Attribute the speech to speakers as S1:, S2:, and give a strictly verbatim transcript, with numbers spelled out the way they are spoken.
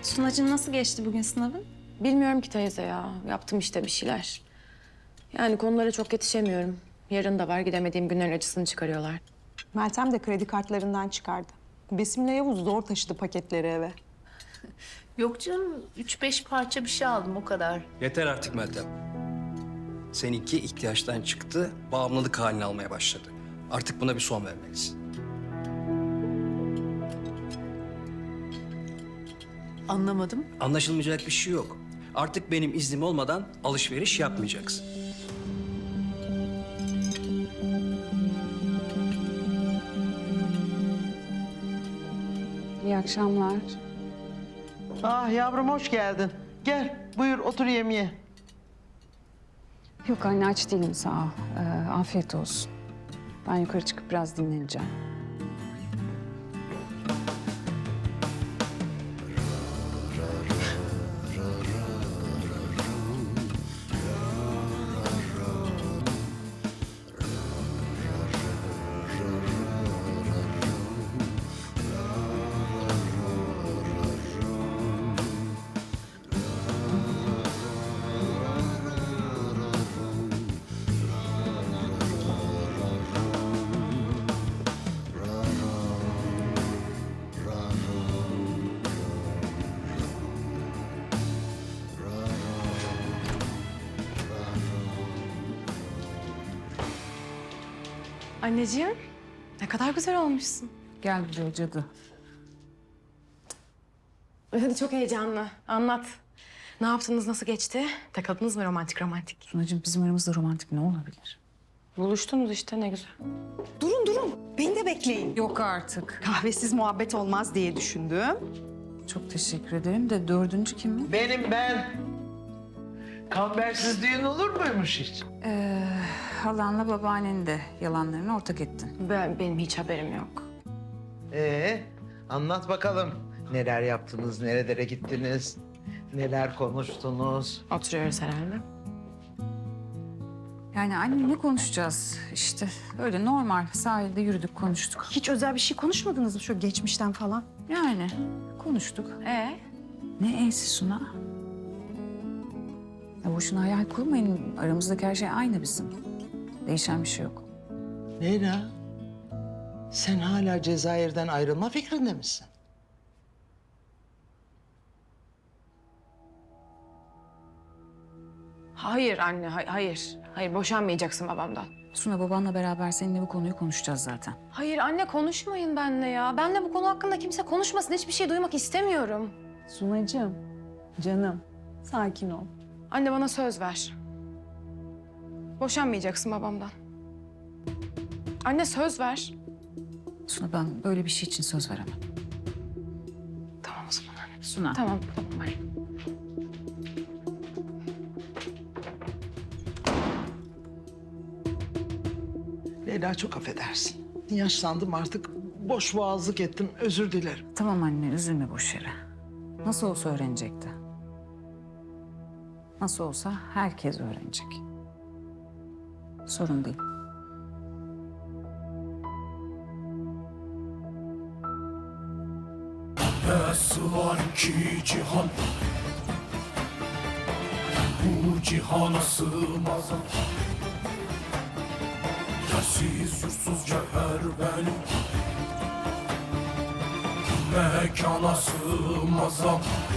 S1: Sunacığım nasıl geçti bugün sınavın?
S2: Bilmiyorum ki teyze ya. Yaptım işte bir şeyler. Yani konulara çok yetişemiyorum. Yarın da var, gidemediğim günlerin acısını çıkarıyorlar.
S3: Meltem de kredi kartlarından çıkardı. Besim'le Yavuz zor taşıdı paketleri eve.
S4: Yok canım, üç beş parça bir şey aldım o kadar.
S5: Yeter artık Meltem. Seninki ihtiyaçtan çıktı, bağımlılık halini almaya başladı. Artık buna bir son vermelisin.
S4: Anlamadım.
S5: Anlaşılmayacak bir şey yok. Artık benim iznim olmadan alışveriş yapmayacaksın.
S6: İyi akşamlar.
S7: Ah yavrum hoş geldin. Gel buyur otur yemeğe.
S6: Yok anne aç değilim sağ ol. Ee, afiyet olsun. Ben yukarı çıkıp biraz dinleneceğim.
S2: Anneciğim, ne kadar güzel olmuşsun.
S6: Gel buraya cadı.
S2: Hadi çok heyecanlı. Anlat. Ne yaptınız, nasıl geçti? Takıldınız mı romantik romantik?
S6: Sunacığım bizim aramızda romantik ne olabilir?
S2: Buluştunuz işte, ne güzel.
S3: Durun durun, beni de bekleyin.
S6: Yok artık.
S3: Kahvesiz muhabbet olmaz diye düşündüm.
S6: Çok teşekkür ederim de dördüncü kim mi?
S7: Benim ben. Kambersiz düğün olur muymuş hiç?
S6: Ee, halanla babaannen de yalanlarını ortak ettin.
S2: Ben, benim hiç haberim yok.
S7: Ee, anlat bakalım. Neler yaptınız, nerelere gittiniz, neler konuştunuz?
S2: Oturuyoruz herhalde.
S6: Yani anne ne konuşacağız? İşte öyle normal sahilde yürüdük konuştuk.
S3: Hiç özel bir şey konuşmadınız mı şu geçmişten falan?
S6: Yani konuştuk.
S2: Ee?
S6: Ne e'si Suna? Ya boşuna hayal kurmayın. Aramızdaki her şey aynı bizim. Değişen bir şey yok.
S7: Leyla, sen hala Cezayir'den ayrılma fikrinde misin?
S2: Hayır anne, hay- hayır. Hayır, boşanmayacaksın babamdan.
S6: Suna babanla beraber seninle bu konuyu konuşacağız zaten.
S2: Hayır anne, konuşmayın benimle ya. Benle bu konu hakkında kimse konuşmasın. Hiçbir şey duymak istemiyorum.
S3: Sunacığım, canım sakin ol.
S2: Anne bana söz ver. Boşanmayacaksın babamdan. Anne söz ver.
S6: Suna ben böyle bir şey için söz veremem.
S2: Tamam o zaman anne.
S6: Suna.
S2: Tamam, tamam anne.
S7: Leyla çok affedersin. Yaşlandım artık. Boş boğazlık ettim. Özür dilerim.
S6: Tamam anne üzülme boş yere. Nasıl olsa öğrenecekti. Nasıl olsa herkes öğrenecek. Sorun değil.
S8: Nasıl var ki cihan, bu cihana sığmaz. Yersiz yursuz cevher benim, mekana sığmaz.